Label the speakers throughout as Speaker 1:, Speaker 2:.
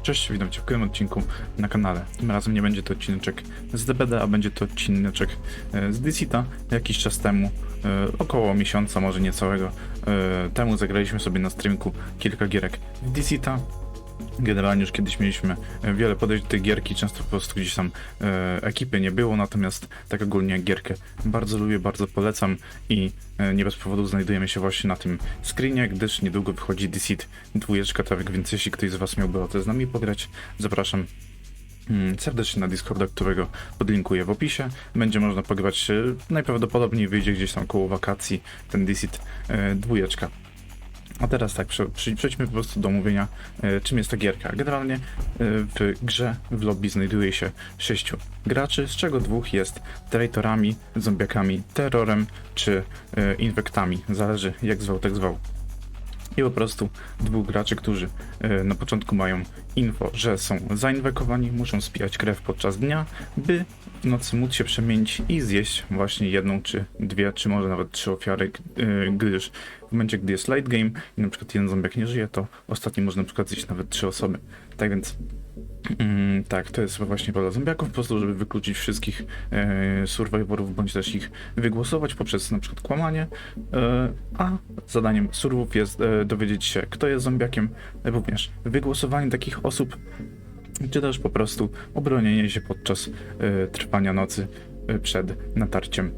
Speaker 1: Cześć, witam Cię w kolejnym odcinku na kanale. Tym razem nie będzie to odcineczek z DBD, a będzie to odcineczek z Dicita. Jakiś czas temu, około miesiąca, może niecałego temu, zagraliśmy sobie na streamku kilka gierek w Dicita. Generalnie już kiedyś mieliśmy wiele podejść do tej gierki, często po prostu gdzieś tam ekipy nie było, natomiast tak ogólnie gierkę bardzo lubię, bardzo polecam i nie bez powodu znajdujemy się właśnie na tym screenie, gdyż niedługo wychodzi Deceit 2, tak więc jeśli ktoś z Was miałby ochotę z nami pograć, zapraszam serdecznie na Discorda, którego podlinkuję w opisie. Będzie można pograć, najprawdopodobniej wyjdzie gdzieś tam koło wakacji ten Deceit 2. A teraz tak, przejdźmy po prostu do omówienia, czym jest ta gierka. Generalnie w grze, w lobby znajduje się 6 graczy, z czego 2 jest traitorami, zombiakami, terrorem czy infektami. Zależy jak zwał, tak zwał. I po prostu 2 graczy, którzy na początku mają info, że są zainfekowani, muszą spijać krew podczas dnia, by w nocy móc się przemienić i zjeść właśnie jedną, czy 2, czy może nawet 3 ofiary, gdyż w momencie, gdy jest late game i na przykład jeden zombiak nie żyje, to ostatni może na przykład zjeść nawet 3 osoby. Tak więc tak, to jest właśnie rola zombiaków, po prostu, żeby wykluczyć wszystkich survivorów, bądź też ich wygłosować poprzez na przykład kłamanie, a zadaniem survów jest dowiedzieć się, kto jest zombiakiem, również wygłosowanie takich osób, czy też po prostu obronienie się podczas trwania nocy przed natarciem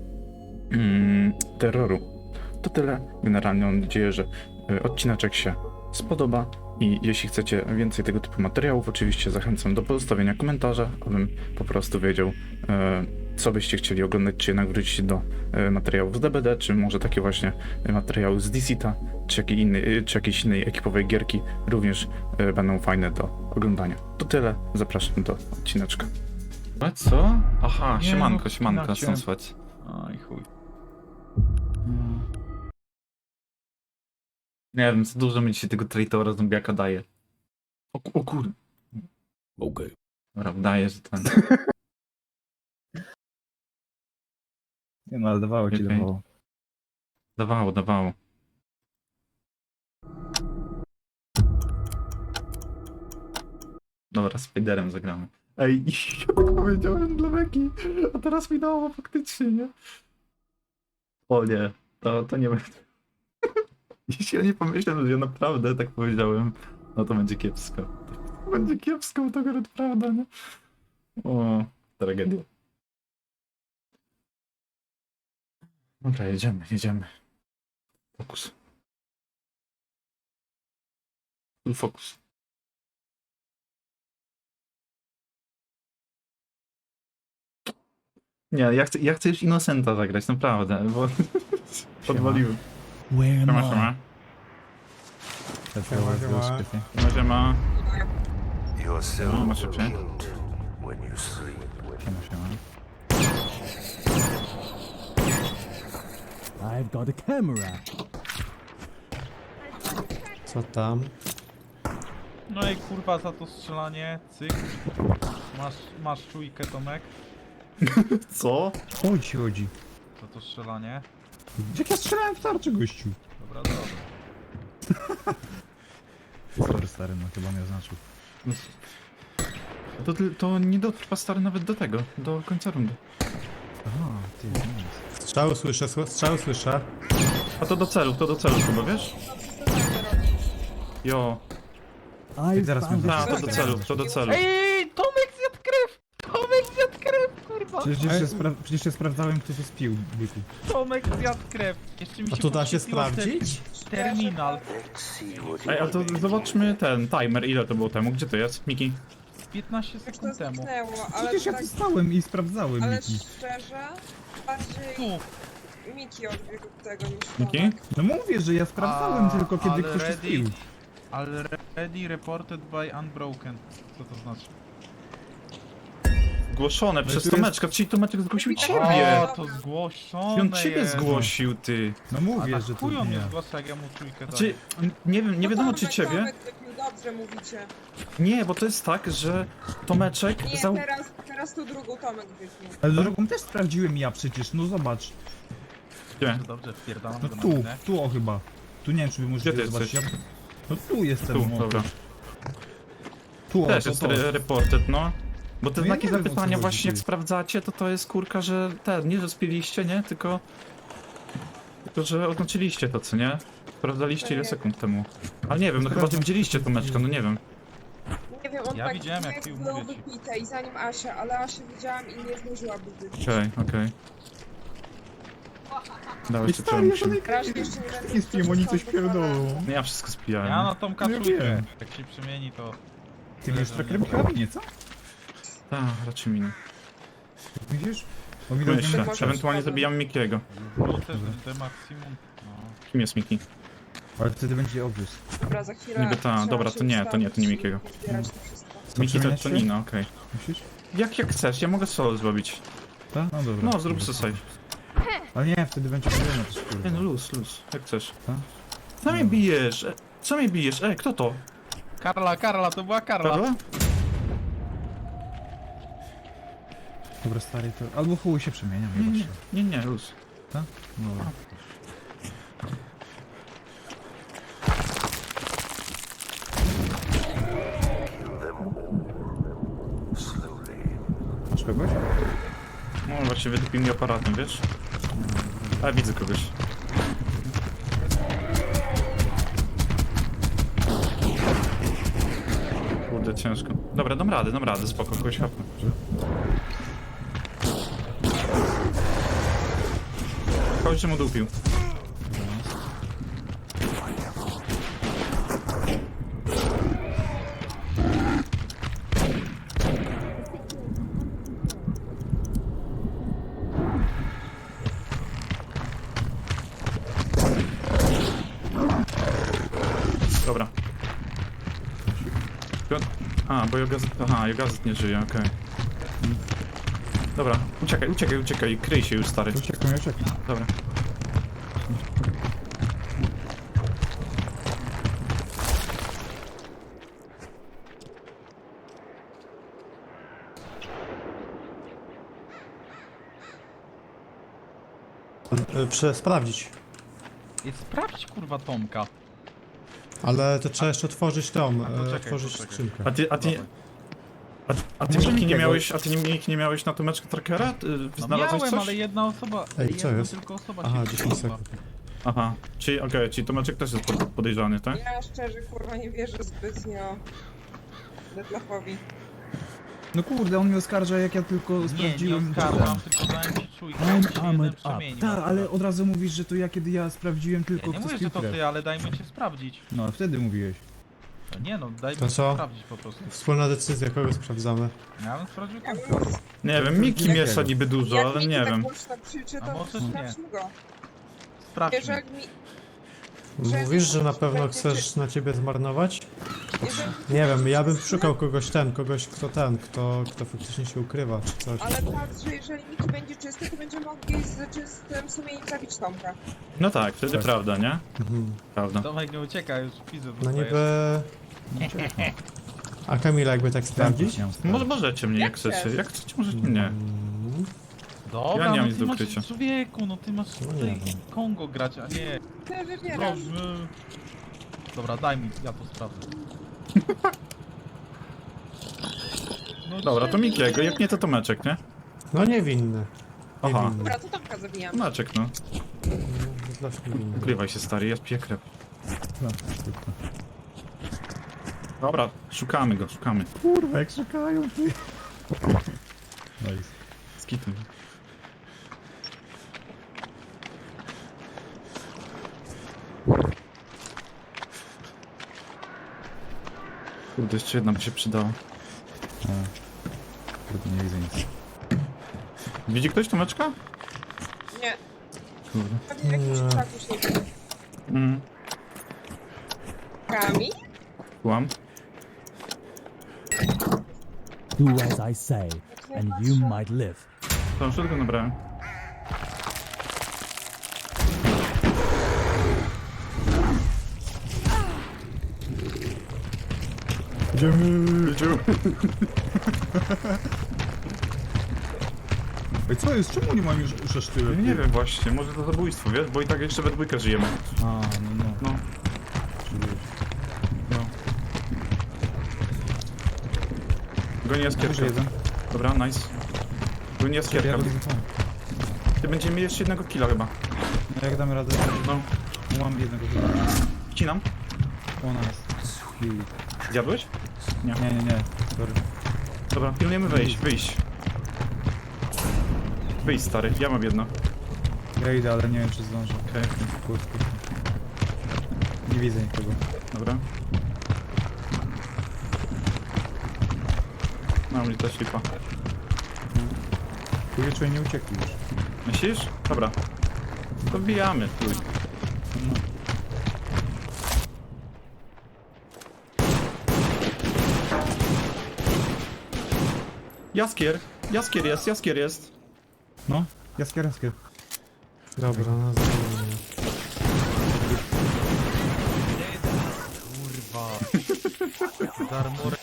Speaker 1: terroru. To tyle. Generalnie mam nadzieję, że odcineczek się spodoba i jeśli chcecie więcej tego typu materiałów, oczywiście zachęcam do pozostawienia komentarza, abym po prostu wiedział, co byście chcieli oglądać, czy jednak wrócić do materiałów z DBD, czy może takie właśnie materiały z Decita, czy jakiejś innej ekipowej gierki również będą fajne do oglądania. To tyle, zapraszam do odcineczka.
Speaker 2: A co? Aha,
Speaker 3: Nie,
Speaker 2: siemanko,
Speaker 3: no,
Speaker 2: siemanko,
Speaker 3: inaczej.
Speaker 2: stąd słychać.
Speaker 3: Oj chuj.
Speaker 2: Nie wiem, za dużo mi dzisiaj tego traitora zombiaka daje. O kur...
Speaker 3: Okej.
Speaker 2: Dobra, daje, że ten...
Speaker 3: Nie no, ale dawało ci,
Speaker 2: Okej.
Speaker 3: dawało.
Speaker 2: Dawało. Dobra, Spiderem zagramy. Ej, ja tak powiedziałem dla Meki, a teraz mi dało faktycznie, nie? O nie, to nie będzie. Jeśli ja nie pomyślałem, że ja naprawdę tak powiedziałem, no to będzie kiepsko. To będzie kiepsko, to akurat prawda, nie? O, tragedia. Dobra, jedziemy. Fokus. Full fokus. Nie, ja chcę już Innocenta zagrać, naprawdę, bo podwaliłem.
Speaker 4: Where am
Speaker 2: Siema. Siema.
Speaker 5: Your soul
Speaker 2: No,
Speaker 5: will
Speaker 2: masz szybciej.
Speaker 5: yield when you sleep.
Speaker 2: Siema.
Speaker 4: I've got a camera.
Speaker 6: Co tam?
Speaker 3: No i kurwa za to strzelanie, cyk. Masz czujkę, Tomek,
Speaker 2: Co?
Speaker 6: Chodzi.
Speaker 3: za to strzelanie.
Speaker 6: Jak ja strzelałem w tarczę, gościu?
Speaker 3: Dobra.
Speaker 6: Sorry, stary, no chyba nie oznaczył.
Speaker 2: To nie dotrwa stary nawet do tego, do końca rundy.
Speaker 6: Aha, ty, nice. Strzały słyszę.
Speaker 2: A to do celu chyba, wiesz? Jo.
Speaker 4: I've
Speaker 6: zaraz
Speaker 4: found
Speaker 6: będę-
Speaker 4: a
Speaker 2: A, to do celu.
Speaker 3: Ej, Tomek zjadł krew, kurwa!
Speaker 6: Przecież się sprawdzałem, kto to spił, byku.
Speaker 3: Tomek zjadł krew. Jeszcze mi się
Speaker 6: A to da się
Speaker 3: podświetliło
Speaker 6: sprawdzić?
Speaker 3: Terminal.
Speaker 5: Exceed what
Speaker 2: Ej,
Speaker 5: you
Speaker 2: a to zobaczmy ten timer, ile to było temu, gdzie to jest, Miki?
Speaker 3: 15
Speaker 7: Jak to
Speaker 3: sekund temu.
Speaker 7: zniknęło, ale
Speaker 6: Przecież ja
Speaker 7: tak,
Speaker 6: tu stałem i sprawdzałem,
Speaker 7: ale
Speaker 6: Miki.
Speaker 7: szczerze, bardziej
Speaker 3: Tu.
Speaker 7: Miki odbiegł tego niż
Speaker 2: Miki?
Speaker 7: Tomek.
Speaker 6: No mówię, że ja sprawdzałem tylko kiedy
Speaker 3: ale
Speaker 6: ktoś to
Speaker 3: ready-
Speaker 6: spił.
Speaker 3: Already reported by unbroken. Co to znaczy?
Speaker 2: Zgłoszone przez
Speaker 6: tu jest-
Speaker 2: Tomeczka, czyli Tomeczek zgłosił
Speaker 7: O,
Speaker 2: ciebie!
Speaker 3: O, to zgłoszone
Speaker 2: On ciebie
Speaker 3: jest.
Speaker 2: zgłosił, ty.
Speaker 6: No
Speaker 3: A
Speaker 6: mówię,
Speaker 3: tak
Speaker 6: że to
Speaker 3: chuj on
Speaker 6: nie
Speaker 3: nie
Speaker 6: ja.
Speaker 3: zgłasza, jak ja mu czujkę
Speaker 2: Znaczy,
Speaker 3: daję.
Speaker 2: nie wiadomo
Speaker 7: No
Speaker 2: czy
Speaker 7: Tomek,
Speaker 2: ciebie.
Speaker 7: Tomek wypił, dobrze mówicie.
Speaker 2: Nie, bo to jest tak, że Tomeczek
Speaker 7: Nie, teraz tu drugą Tomek wypił.
Speaker 6: Ale drugą też sprawdziłem ja przecież, no zobacz.
Speaker 2: Gdzie?
Speaker 3: Dobrze, wpierdalam
Speaker 6: No
Speaker 3: go
Speaker 6: tu,
Speaker 3: na minę.
Speaker 6: tu o chyba. Tu nie wiem, czy wy
Speaker 2: Gdzie
Speaker 6: możecie
Speaker 2: ty
Speaker 6: zobaczyć.
Speaker 2: jesteś?
Speaker 6: No tu jestem.
Speaker 2: Tu,
Speaker 6: no.
Speaker 2: dobra.
Speaker 6: Tu,
Speaker 2: Też
Speaker 6: to,
Speaker 2: jest
Speaker 6: to.
Speaker 2: reported, no. Bo te
Speaker 6: No ja
Speaker 2: znaki
Speaker 6: nie wiem, o co
Speaker 2: zapytania
Speaker 6: chodzi,
Speaker 2: właśnie jak
Speaker 6: ty.
Speaker 2: sprawdzacie, to jest kurka, że nie, że spiliście, nie? Tylko, że oznaczyliście to, co nie? Sprawdzaliście ile sekund temu. Ale nie wiem, no chyba ty widzieliście tą meczkę, no nie wiem.
Speaker 7: Nie wiem, on
Speaker 3: Ja
Speaker 7: tak
Speaker 3: widziałem, jak pił,
Speaker 7: było
Speaker 3: mówię ci.
Speaker 7: wypite i zanim Asia, ale Asię widziałam i nie zdążyłaby wypić.
Speaker 2: Okej. Dawaj,
Speaker 6: Ej,
Speaker 2: jeszcze
Speaker 6: stary, ja
Speaker 2: trzeba
Speaker 7: Raz jeszcze nie będę
Speaker 6: nie spiłem, oni coś pierdolą.
Speaker 2: No ja wszystko spijałem.
Speaker 3: Ja na Tomka
Speaker 6: Ja
Speaker 3: trójkę.
Speaker 6: wiem.
Speaker 3: Jak się przemieni, to...
Speaker 6: Ty mi już trackerem karabin, co?
Speaker 2: Tak, raczej minę.
Speaker 6: Widzisz? On mi
Speaker 2: Myślę,
Speaker 7: może-
Speaker 2: ewentualnie zabijam Mikiego.
Speaker 3: Wrócę de maksimum. No.
Speaker 2: Kim jest Miki?
Speaker 6: Ale wtedy będzie obvious.
Speaker 7: Dobra, za chwilę.
Speaker 2: Niby ta,
Speaker 7: trzeba
Speaker 2: dobra,
Speaker 7: się
Speaker 2: to nie
Speaker 7: ustawić
Speaker 2: Mikiego.
Speaker 7: i zbierać to wszystko.
Speaker 2: Miki to
Speaker 6: przemieniać się?
Speaker 2: Nina, okej.
Speaker 6: Myślisz?
Speaker 2: Jak chcesz, ja mogę solo zrobić.
Speaker 6: Tak? No dobra.
Speaker 2: No, zrób sobie save.
Speaker 6: Ale nie, wtedy będzie problemy też, kurwa.
Speaker 2: Nie no, luz, jak chcesz.
Speaker 6: Tak?
Speaker 2: Co mnie bijesz? Co mnie bijesz? Kto to?
Speaker 3: Karla, to była Karla.
Speaker 2: Karla?
Speaker 6: Dobra, stary, to... Albo chuj się przemieniam, nie patrzę.
Speaker 2: Nie, luz.
Speaker 6: Tak? Dobra. Masz kogoś?
Speaker 2: No właśnie wydupił mi aparatem, wiesz? A widzę kogoś. Kurde, ciężko. Dobra, dam radę, spoko, kogoś hapnę. Kogoś się mu dupił. Dobra. A, bo Jogazet... Aha, Jogazet nie żyje, okej. Dobra, uciekaj, kryj się już, stary.
Speaker 6: Uciekam.
Speaker 2: Dobra.
Speaker 8: Sprawdzić.
Speaker 3: I sprawdź kurwa Tomka.
Speaker 8: Ale to trzeba jeszcze otworzyć tą,
Speaker 3: czekaj,
Speaker 8: otworzyć
Speaker 3: poczekaj.
Speaker 8: skrzynkę.
Speaker 2: A ty Miki nie miałeś, nie miałeś na tą meczkę trackera?
Speaker 3: No
Speaker 2: Znalazłeś
Speaker 3: miałem,
Speaker 2: coś?
Speaker 3: ale jedna osoba...
Speaker 8: Ej, co
Speaker 3: jedna
Speaker 8: jest?
Speaker 3: tylko osoba
Speaker 8: Aha,
Speaker 3: się
Speaker 8: 10
Speaker 3: wkurzyła.
Speaker 8: sekund.
Speaker 2: Aha, czyli czyli Tomeczek też jest podejrzany, tak?
Speaker 7: Ja szczerze, kurwa, nie wierzę zbytnio Detlafowi.
Speaker 6: No kurde, on mnie oskarża, jak ja tylko
Speaker 3: Nie
Speaker 6: sprawdziłem...
Speaker 3: oskarżam, tylko dałem ci czujkę,
Speaker 4: I'm
Speaker 3: jak się jeden
Speaker 4: armored up.
Speaker 3: przemienił.
Speaker 6: Tak, ale od razu mówisz, że to ja, kiedy ja sprawdziłem
Speaker 3: Ja
Speaker 6: tylko
Speaker 3: nie
Speaker 6: kto
Speaker 3: mówię,
Speaker 6: spił
Speaker 3: że to
Speaker 6: krew.
Speaker 3: ty, ale dajmy cię sprawdzić.
Speaker 6: No, wtedy mówiłeś.
Speaker 3: No nie no, dajmy
Speaker 8: To
Speaker 3: cię
Speaker 8: co?
Speaker 3: sprawdzić po prostu.
Speaker 8: Wspólna decyzja, kogo sprawdzamy.
Speaker 3: Ja bym sprawdził
Speaker 7: Ja
Speaker 3: Tomka.
Speaker 7: bym...
Speaker 2: Nie wiem, Miki
Speaker 6: Jakiego?
Speaker 2: miesza niby dużo,
Speaker 7: Jak
Speaker 2: ale
Speaker 7: Miki
Speaker 2: nie
Speaker 7: tak
Speaker 2: wiem.
Speaker 7: głośno krzyczy,
Speaker 3: A
Speaker 7: to
Speaker 3: może
Speaker 7: sprawdźmy go.
Speaker 3: Sprawdźmy.
Speaker 7: Jeżeli mi...
Speaker 8: Mówisz, że na pewno
Speaker 7: będzie
Speaker 8: chcesz na ciebie zmarnować?
Speaker 7: Jeżeli...
Speaker 8: Nie wiem, ja bym szukał kogoś kto faktycznie się ukrywa, czy coś.
Speaker 7: Ale patrz, że jeżeli Miki będzie czysty, to będziemy mogli z czystym sumieniem zabić Tomka.
Speaker 2: No tak, wtedy
Speaker 6: Tak.
Speaker 2: prawda, nie?
Speaker 8: Mhm.
Speaker 2: Prawda.
Speaker 3: Tomek nie ucieka, już widzę.
Speaker 8: No
Speaker 3: dostajesz.
Speaker 8: niby... A Kamila jakby tak sprawdzić?
Speaker 2: Możecie mnie, jak
Speaker 7: Jak
Speaker 2: chcecie.
Speaker 7: chcesz.
Speaker 2: Jak chcecie, możecie mnie.
Speaker 3: Dobra,
Speaker 2: Ja nie mam
Speaker 3: no
Speaker 2: nic
Speaker 3: ty
Speaker 2: do
Speaker 3: masz,
Speaker 2: ukrycia.
Speaker 3: człowieku, no ty masz
Speaker 8: No nie
Speaker 3: tutaj
Speaker 8: wiem.
Speaker 3: Kongo grać, a nie...
Speaker 7: Ty wybierasz.
Speaker 3: Dobra, daj mi, ja to sprawdzę. No
Speaker 2: Dobra, to
Speaker 3: czemu?
Speaker 2: Mikiego, jak nie to Tomeczek, nie?
Speaker 8: No niewinny.
Speaker 2: Aha.
Speaker 8: Niewinny.
Speaker 7: Dobra, to Tomka zabijam.
Speaker 2: Tomeczek, no.
Speaker 8: Zawsze niewinny.
Speaker 2: Ukrywaj się, stary, ja piję krew.
Speaker 6: No, tylko.
Speaker 2: Dobra, szukamy go, szukamy.
Speaker 6: Kurwa, jak szukają, ty. Nice.
Speaker 2: Z kitem. Kurde, jeszcze jedna by się przydała.
Speaker 6: Kurde, nie widzę nic.
Speaker 2: Widzi ktoś Tomeczka?
Speaker 7: Nie,
Speaker 2: Kurde.
Speaker 7: pewnie jakiś
Speaker 8: Nie.
Speaker 7: krzak już nie będzie. Kami?
Speaker 2: Kłam.
Speaker 4: Do as I say, and you might live.
Speaker 2: To już tylko nabrałem. Idziemy.
Speaker 6: Ej, co jest? Czemu nie mam już aż tyle?
Speaker 2: Nie wiem właśnie, może to zabójstwo, wiesz? Bo i tak jeszcze we dwójkę żyjemy.
Speaker 6: A, no.
Speaker 2: No. No.
Speaker 1: Goni jaskierkę.
Speaker 6: jeden.
Speaker 1: Dobra, nice. Goni jaskierka.
Speaker 6: Ja to
Speaker 1: Ty będziemy mieli jeszcze jednego killa chyba.
Speaker 6: No jak damy radę,
Speaker 1: No,
Speaker 6: mam jednego chyba.
Speaker 1: wcinam.
Speaker 6: Ona jest.
Speaker 1: Zjadłeś?
Speaker 6: Nie. Sorry.
Speaker 1: Dobra, pilnujemy wyjść. Wyjść, stary, ja mam jedno.
Speaker 6: Ja idę, ale nie wiem czy zdążę.
Speaker 1: Okej,
Speaker 6: Kurde. Nie widzę nikogo.
Speaker 1: dobra. No, mnie też lipa.
Speaker 6: Tu wieczór nie uciekli już.
Speaker 1: Myślisz? Dobra. To wbijamy, chuj. Jaskier jest.
Speaker 6: No, jaskier.
Speaker 8: Dobra, no zrobimy.
Speaker 3: Kurwa. Darmurek.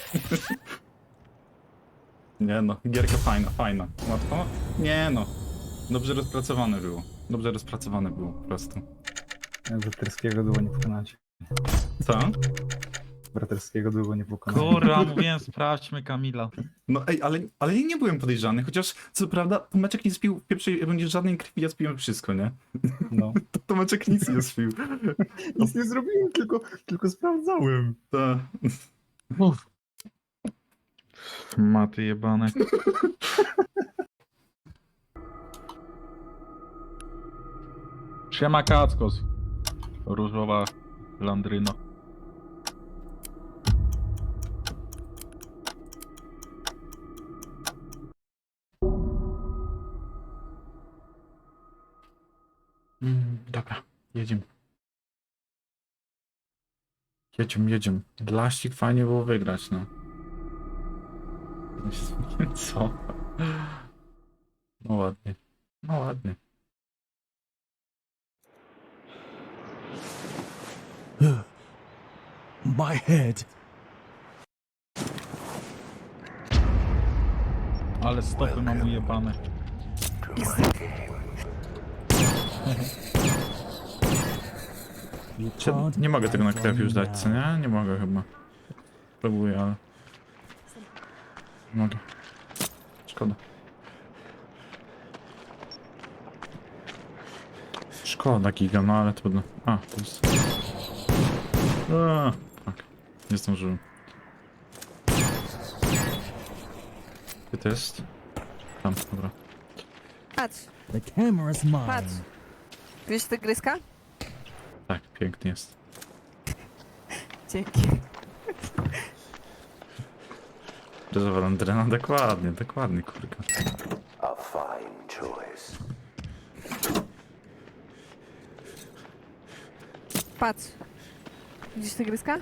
Speaker 1: Nie no, gierka fajna. Łatwo? Nie no. Dobrze rozpracowane było po prostu.
Speaker 6: Braterskiego długo nie pokonacie.
Speaker 1: Co?
Speaker 6: Braterskiego długo nie pokonacie.
Speaker 3: Kurwa, mówiłem, sprawdźmy Kamila.
Speaker 1: No ej, ale ja nie byłem podejrzany, chociaż co prawda Tomeczek nie spił w pierwszej rundzie żadnej krwi, ja spiłem wszystko, nie?
Speaker 6: No.
Speaker 1: To Tomeczek nic nie spił.
Speaker 6: Nic nie zrobiłem, tylko sprawdzałem.
Speaker 1: To...
Speaker 3: Maty jebane. Siema Kackos. Różowa landryno.
Speaker 1: Dobra, jedziemy. Jedziemy. Dlaścik fajnie było wygrać, no. Co? No ładnie.
Speaker 4: My head.
Speaker 3: Ale stopy mam ujebane.
Speaker 4: You
Speaker 1: Czy,
Speaker 4: can't
Speaker 1: nie mogę tego na
Speaker 4: hide
Speaker 1: krew
Speaker 4: from
Speaker 1: już
Speaker 4: me
Speaker 1: dać, co
Speaker 4: now.
Speaker 1: nie? Nie mogę chyba. Próbuję, ale... Nie mogę. Szkoda. Szkoda giga, no ale trudno. A, to jest... Tak. Nie zdążyłem. Gdzie to jest? Tam, dobra.
Speaker 9: Patrz,
Speaker 4: The camera's mine.
Speaker 9: patrz. Wiesz tygryska?
Speaker 1: Tak, piękny jest.
Speaker 9: Dzięki.
Speaker 1: Ryżowa landryna, dokładnie, kurka.
Speaker 5: A fine choice.
Speaker 9: Patrz. Widzisz tygryska?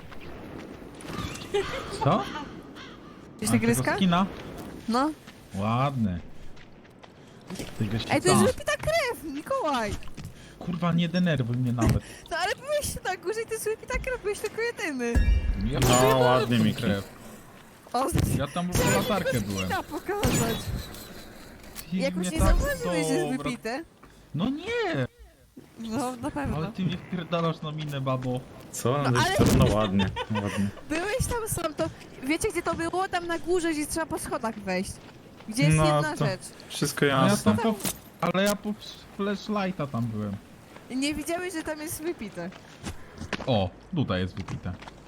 Speaker 3: Co?
Speaker 9: Widzisz
Speaker 3: A,
Speaker 9: tygryska?
Speaker 3: tego skina?
Speaker 9: No.
Speaker 3: Ładny. Tygrys
Speaker 9: Ej, to jest
Speaker 3: tam.
Speaker 9: wypita krew, Mikołaj!
Speaker 3: Kurwa, nie denerwuj mnie nawet.
Speaker 9: No ale byłeś na górze i to jest wypita krew, byłeś tylko jedyny.
Speaker 3: Ja
Speaker 1: No,
Speaker 3: wyjebałem
Speaker 1: ładnie,
Speaker 3: tą
Speaker 1: Miki.
Speaker 3: krew.
Speaker 9: O,
Speaker 3: Ja tam po latarkę byłem.
Speaker 9: skina pokazać.
Speaker 3: Ty
Speaker 9: Jakoś
Speaker 3: mnie
Speaker 9: nie
Speaker 3: tak
Speaker 9: zauważyłeś, że jest
Speaker 3: dobra-
Speaker 9: wypite.
Speaker 3: No nie!
Speaker 9: No, na pewno.
Speaker 3: Ale ty mnie wpierdalasz na minę, babo.
Speaker 1: Co?
Speaker 9: No, ale-
Speaker 1: No ładnie.
Speaker 9: Byłeś tam sam, to... Wiecie gdzie to było? Tam na górze, gdzie trzeba po schodach wejść. Gdzie jest
Speaker 1: No,
Speaker 9: jedna
Speaker 1: to-
Speaker 9: rzecz.
Speaker 1: Wszystko
Speaker 3: No ja
Speaker 1: jasne.
Speaker 3: tam ale ja po flashlighta tam byłem.
Speaker 9: Nie widziałeś, że tam jest wypite.
Speaker 3: O, tutaj jest wypite.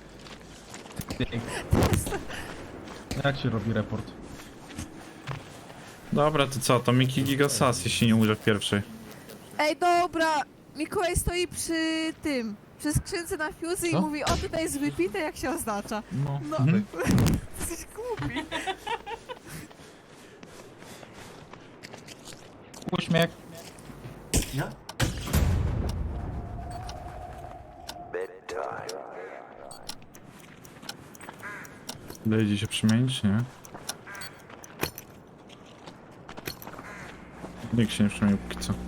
Speaker 3: Jak się robi report?
Speaker 1: Dobra, to co? To Miki Giga Sas, jeśli nie umrze w pierwszej.
Speaker 9: Ej, dobra! Mikołaj stoi przy tym, przy skrzynce na fuse i
Speaker 3: Co?
Speaker 9: mówi, o tutaj jest wypite, jak się oznacza.
Speaker 3: No.
Speaker 9: No,
Speaker 1: Mhm.
Speaker 9: jesteś głupi.
Speaker 3: Uśmiech.
Speaker 5: Bedtime.
Speaker 1: Dojdzie się przemienić, nie? Nikt się nie przemienił póki co.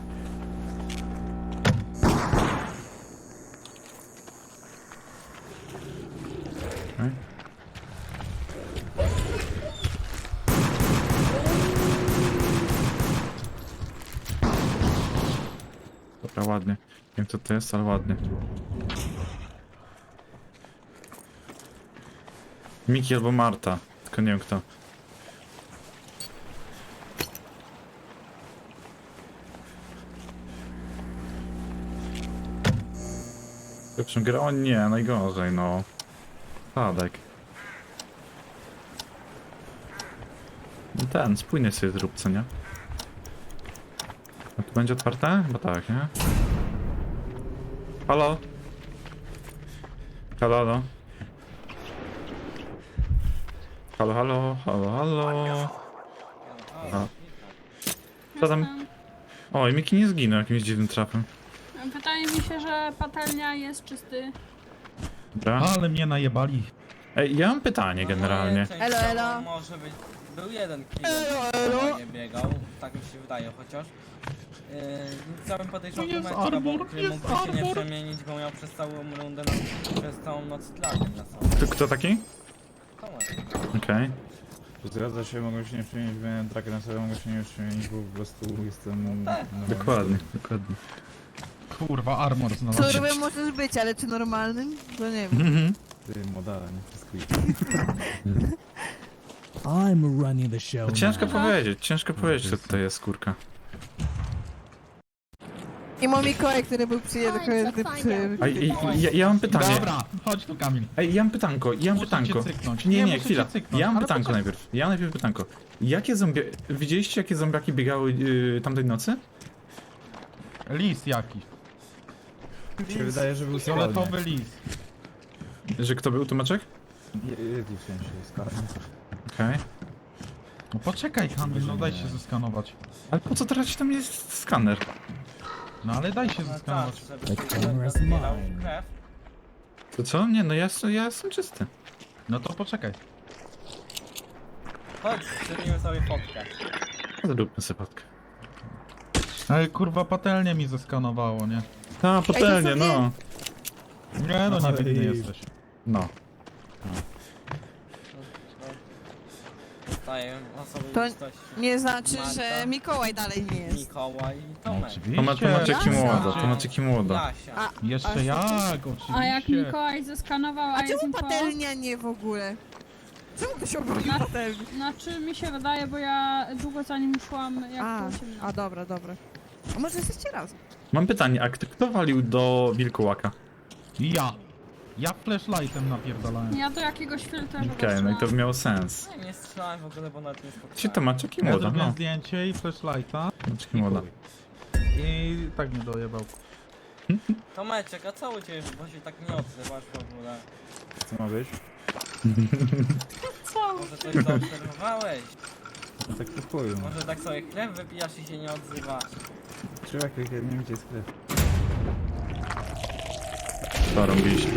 Speaker 1: Okej. Dobra, ładnie. Nie wiem co to jest, ale ładnie. Miki albo Marta. Tylko tylko nie wiem kto. Lepszą grę? O nie, najgorzej, no. Sadek. Ten, spójny sobie zrób, co nie? A tu będzie otwarte? Chyba tak, nie? Halo? Halo, halo? Halo, halo, halo, halo? A. Co tam? Oj, Miki nie zginął jakimś dziwnym trafem.
Speaker 10: Wydaje mi się, że patelnia jest czysty.
Speaker 1: Dobra.
Speaker 3: Ale mnie najebali.
Speaker 1: Ej, ja mam pytanie generalnie.
Speaker 9: Elo, elo.
Speaker 11: Może być. Był jeden klient, nie biegał, tak mi się wydaje chociaż. Chciałbym podejrzeć
Speaker 3: Tu jest
Speaker 11: Tomeczka, bo
Speaker 3: arbor, jest
Speaker 11: mógłby się nie
Speaker 3: arbor.
Speaker 11: przemienić, bo miał przez całą rundę, przez całą noc tlakiem na sobie.
Speaker 1: Kto taki?
Speaker 11: Tomek.
Speaker 1: Okej.
Speaker 6: Zgadza się, mogą się nie przemienić, miałem trakę na sobie, mogą się nie przemienić, bo po prostu jestem...
Speaker 1: Dokładnie, dokładnie.
Speaker 3: Kurwa, armor znalazłem.
Speaker 9: Surowym możesz być, ale czy normalnym? To nie wiem.
Speaker 1: Mhm.
Speaker 6: Ty, modala, nie wszystko.
Speaker 4: I'm running the show.
Speaker 1: No ciężko
Speaker 4: now.
Speaker 1: ciężko powiedzieć, co tutaj jest skórka.
Speaker 9: I mam Mikołaj, który był przyjęty przy...
Speaker 1: A ja mam pytanie.
Speaker 3: Dobra, chodź tu Kamil.
Speaker 1: Ej, ja mam pytanko,
Speaker 3: Muszę cię cyknąć.
Speaker 1: Nie,
Speaker 3: muszę
Speaker 1: chwila.
Speaker 3: cię cyknąć,
Speaker 1: Ja mam
Speaker 3: ale
Speaker 1: pytanko
Speaker 3: poczekaj.
Speaker 1: najpierw. Ja najpierw pytanko. Jakie widzieliście jakie zombiaki biegały tamtej nocy?
Speaker 3: Lis jakiś.
Speaker 6: Mi się wydaje, że był
Speaker 3: Fioletowy lis.
Speaker 1: Że kto był tłumaczek?
Speaker 6: w sensie, skalnie.
Speaker 1: Okej.
Speaker 3: No poczekaj Kamil, no daj się zeskanować.
Speaker 1: Ale po co teraz tam jest skaner?
Speaker 3: No ale daj się
Speaker 11: No
Speaker 3: zeskanować.
Speaker 11: tak,
Speaker 4: The
Speaker 11: żeby
Speaker 4: camera's
Speaker 11: zbierał
Speaker 4: mine.
Speaker 11: krew.
Speaker 1: To co? Nie, no ja jestem czysty.
Speaker 3: No to poczekaj.
Speaker 11: Chodź, zrobimy sobie fotkę.
Speaker 1: Zróbmy sobie fotkę.
Speaker 3: Ej, kurwa, patelnię mi zeskanowało, nie?
Speaker 1: Ta, patelnie,
Speaker 9: Ej, to
Speaker 1: no.
Speaker 3: Nie, no
Speaker 6: Ej.
Speaker 3: niewinny jesteś.
Speaker 1: No.
Speaker 11: Daję osoby
Speaker 9: To
Speaker 11: listości.
Speaker 9: nie znaczy,
Speaker 11: Marta.
Speaker 9: że Mikołaj dalej nie jest.
Speaker 11: Mikołaj i
Speaker 3: No,
Speaker 11: Tomek.
Speaker 3: oczywiście.
Speaker 1: Tomaczeki
Speaker 9: Jasne.
Speaker 1: młoda, tomaczeki młoda.
Speaker 11: Jasia.
Speaker 9: A,
Speaker 3: Jeszcze
Speaker 9: A
Speaker 3: jak, oczywiście.
Speaker 10: A jak Mikołaj zeskanował,
Speaker 9: a
Speaker 10: jest
Speaker 9: czemu
Speaker 10: info?
Speaker 9: patelnia nie w ogóle? Czemu to się obroni patelni?
Speaker 10: Znaczy mi się wydaje, bo ja długo za nim szłam, jak
Speaker 9: A,
Speaker 10: było ciemno.
Speaker 9: a dobra, dobra. A może jesteście razem?
Speaker 1: Mam pytanie, a kto walił do wilkołaka?
Speaker 3: Ja. Ja flashlightem napierdalałem.
Speaker 10: Ja do jakiegoś filtra
Speaker 1: Okej, no i to by miało sens.
Speaker 11: Nie strzelałem w ogóle, bo nawet nie spotkałem.
Speaker 1: Się tomaczeki
Speaker 3: Ja
Speaker 1: młoda,
Speaker 3: zrobiłem
Speaker 1: no.
Speaker 3: zdjęcie i flashlighta
Speaker 1: Tomaczeki młoda.
Speaker 3: i tak mnie dojebał.
Speaker 11: Tomeczek, a co u ciebie, bo się tak nie odzywasz w ogóle?
Speaker 6: Co ma być?
Speaker 11: Może coś zaobserwowałeś?
Speaker 6: No tak to powiem.
Speaker 11: Może tak sobie krew wypijasz i się nie odzywasz?
Speaker 6: Trzeba jak nie wiem gdzie jest krew.
Speaker 1: To robiliśmy.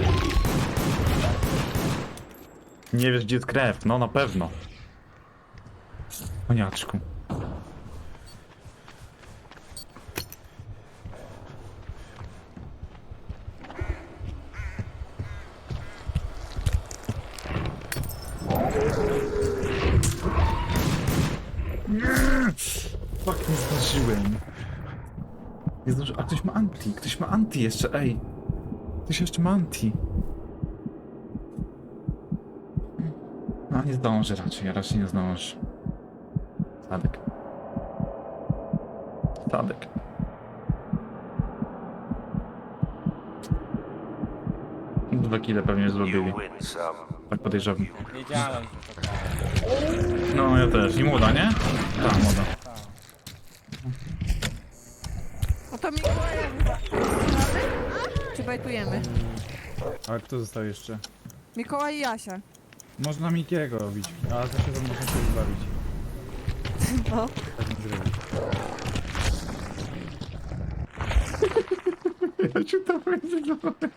Speaker 1: Nie wiesz gdzie jest krew, no na pewno. Koniaczku. Fuck, nie zdążyłem. Nie zdążyłem. A ktoś ma anti, ktoś ma anti jeszcze, ej. Ktoś jeszcze ma anti. No nie zdąży raczej nie zdąży. Sadek. Sadek. Dwa kile pewnie zrobili.
Speaker 5: You win some,
Speaker 1: Tak podejrzewam.
Speaker 11: Wiedziałem, że to tak.
Speaker 1: No ja też. I młoda, nie? Tak, młoda.
Speaker 9: No to Mikołaja czy bajtujemy?
Speaker 6: A kto został jeszcze?
Speaker 9: Mikołaj i Jasia.
Speaker 6: Można Mikiego robić, ale to się tam można się wybawić.
Speaker 9: No.
Speaker 6: Tak nie zrobić.
Speaker 1: Ja ci to powiedziałem.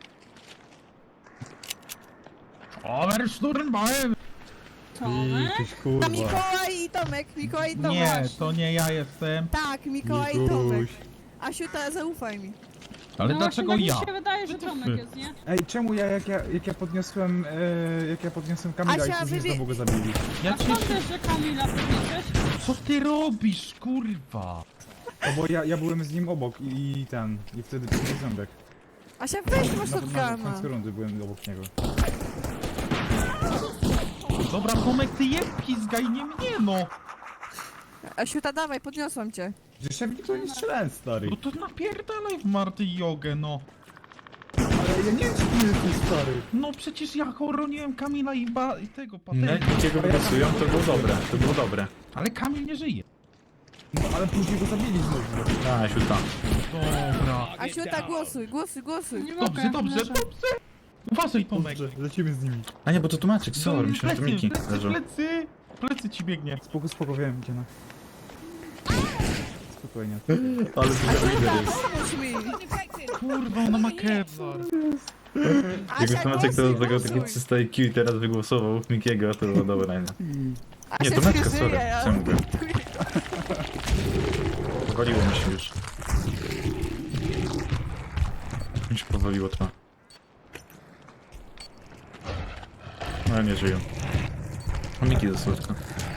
Speaker 3: Oversturmbein!
Speaker 10: Tomek?
Speaker 6: Tyś
Speaker 9: A
Speaker 6: kurwa.
Speaker 9: Mikołaj i Tomek, Mikołaj i Tomek.
Speaker 3: Nie, to nie ja jestem.
Speaker 9: Tak, Mikołaj i Tomek. Asiu, ta zaufaj mi.
Speaker 3: Ale
Speaker 10: No
Speaker 3: dlaczego
Speaker 10: właśnie,
Speaker 3: ja?
Speaker 10: tak mi się wydaje, że Tomek jest, nie?
Speaker 6: Ej, czemu jak ja podniosłem Kamila
Speaker 9: Asia,
Speaker 6: i później
Speaker 9: wybie-
Speaker 6: znowu go zabili?
Speaker 3: Ja
Speaker 10: A
Speaker 3: cię...
Speaker 10: skąd wiesz, że Kamila powiedziałeś?
Speaker 3: Co ty robisz, kurwa?
Speaker 6: No bo ja byłem z nim obok i wtedy to był ząbek.
Speaker 9: Asia, weź masz
Speaker 6: Na
Speaker 9: shotguna.
Speaker 6: końcu rundy byłem obok niego.
Speaker 3: Co Dobra, Tomek, ty jeb pizgaj, nie mnie, no!
Speaker 9: Asiuta, dawaj, podniosłam cię.
Speaker 6: Przecież ja w nikogo nie strzelałem, stary.
Speaker 3: No to napierdalaj w Marty jogę, no!
Speaker 6: Ale ja nie wiem, czy ty jesteś stary.
Speaker 3: No przecież ja chroniłem Kamila i tego
Speaker 1: No,
Speaker 3: patenta.
Speaker 1: jak cię go wygasują, to było dobre, to było dobre.
Speaker 3: Ale Kamil nie żyje.
Speaker 6: No ale później go zabili znowu.
Speaker 1: A, siuta.
Speaker 3: Dobra.
Speaker 9: Asiuta, głosuj, głosuj, głosuj.
Speaker 10: Nie
Speaker 3: Dobrze,
Speaker 10: mogę,
Speaker 3: dobrze,
Speaker 10: leżę.
Speaker 3: dobrze! Uważaj, Tomek!
Speaker 6: Dobrze, lecimy z nimi.
Speaker 1: A nie, bo to tłumaczyk, sorry, myślałem, że to Miki leżał.
Speaker 3: Plecy ci biegnie.
Speaker 6: Spoko, wiem, gdzie na. Spokojnie.
Speaker 1: Ale to
Speaker 9: Asiuta, pomóż mi.
Speaker 3: Kurwa, ona ma Kevlar.
Speaker 1: Jakby tłumaczyk to
Speaker 9: głosuj,
Speaker 1: zagrał takie
Speaker 9: głosuj.
Speaker 1: 300 IQ i teraz wygłosował Mikiego, to było dobre, nie? Nie,
Speaker 9: Asia
Speaker 1: to Meczka,
Speaker 9: żyje,
Speaker 1: sorry,
Speaker 9: ja-
Speaker 1: co ja mówię? Powaliło mi się już. Mi się powaliło to. No nie żyją. A Miki za słodko.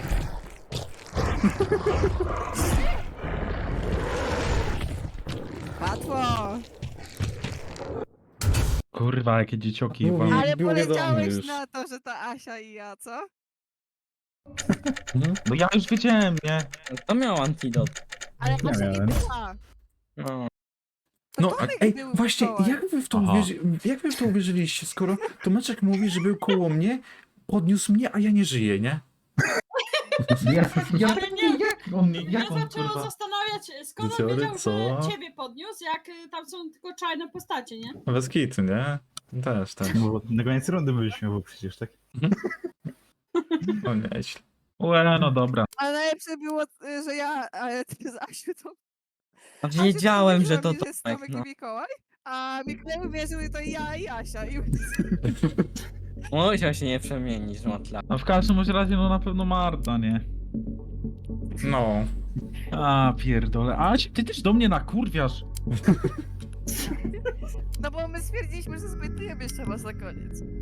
Speaker 9: Łatwo.
Speaker 3: Kurwa, jakie dziecioki.
Speaker 1: Mówi.
Speaker 3: wam-
Speaker 9: Ale
Speaker 1: było wiadomo
Speaker 9: poleciałeś
Speaker 1: już.
Speaker 9: na to, że to Asia i ja, co?
Speaker 3: No ja już wiedziałem, nie?
Speaker 11: To miał antidot.
Speaker 9: Ale Asia nie
Speaker 6: miałem.
Speaker 9: była.
Speaker 11: No.
Speaker 9: To
Speaker 1: No,
Speaker 9: Tomek
Speaker 1: ej,
Speaker 9: był
Speaker 1: właśnie,
Speaker 9: Mikołaj.
Speaker 1: jak wy w to uwierzyliście, skoro Tomeczek mówi, że był koło mnie, podniósł mnie, a ja nie żyję, nie?
Speaker 10: Ale nie,
Speaker 3: On,
Speaker 10: ja
Speaker 3: jak on,
Speaker 10: zaczęłam
Speaker 3: kurwa?
Speaker 10: zastanawiać, skąd on
Speaker 1: Wieciory,
Speaker 10: wiedział,
Speaker 1: co?
Speaker 10: że ciebie podniósł, jak tam są tylko czarne postacie, nie?
Speaker 1: Bez kitu, nie? Też.
Speaker 6: No, na koniec rundy byliśmy, bo przecież tak.
Speaker 1: O nieźle.
Speaker 3: Łe, no dobra.
Speaker 9: Ale najlepsze było, że ja, ale ty z Asiutą.
Speaker 11: A wiedziałem, że to
Speaker 9: Asiuta mówiła mi,
Speaker 11: Tomek,
Speaker 9: Tomek
Speaker 11: no.
Speaker 9: i Mikołaj, a Mikołaj uwierzył, że to ja i Asia. I...
Speaker 11: Musiał się nie przemienić, matla.
Speaker 3: A w każdym razie, no na pewno Marta, nie?
Speaker 1: No.
Speaker 3: A, pierdolę. Aś, ty też do mnie nakurwiasz.
Speaker 9: No bo my stwierdziliśmy, że zbytujemy jeszcze was na koniec.